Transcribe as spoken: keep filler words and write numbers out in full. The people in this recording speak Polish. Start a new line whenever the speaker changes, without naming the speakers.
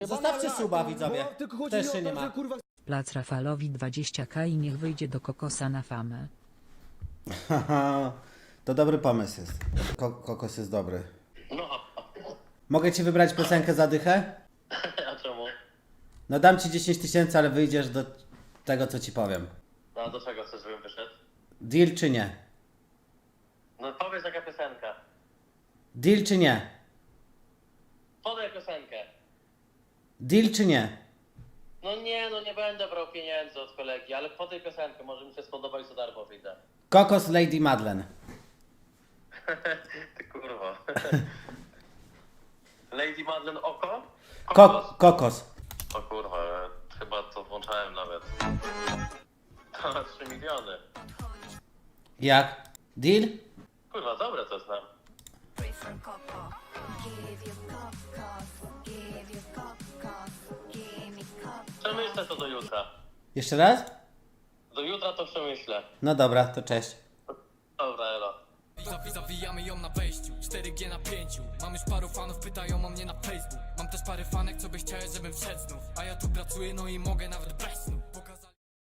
Zostawcie suba, widzowie.
Bo tylko chodzi
Też
mi o
się
to,
nie ma.
że, kurwa,
Plac Rafalowi dwadzieścia ka i niech wyjdzie do kokosa na famę.
Haha, to dobry pomysł jest. Ko kokos jest dobry.
No,
Mogę ci wybrać piosenkę za dychę?
a czemu?
No dam ci dziesięć tysięcy, ale wyjdziesz do tego, co ci powiem.
No, do czego chcesz, żebym wyszedł?
Deal czy nie?
No, powiedz jaka piosenka.
Deal czy nie?
Podaj piosenkę.
Deal czy nie?
No nie, no nie będę brał pieniędzy od kolegi, ale podaj piosenkę, może mi się spodoba i za darmo wyjdę.
Kokos Lady Madeleine.
Ty kurwa. Lady Madeleine oko?
Ko kokos.
O kurwa, chyba to włączałem nawet. To na trzy miliony.
Jak? Deal?
Kurwa, dobre to znam. Przemyślę to do jutra.
Jeszcze raz?
Do jutra to przemyślę.
No dobra, to cześć.
Dobra, elo.
Zawijamy ją na wejściu, cztery G na pięciu. Mam już paru fanów, pytają o mnie na Facebook. Mam też parę fanek, co by chciały, żebym wszedł znów. A ja tu pracuję, no i mogę nawet bez snu.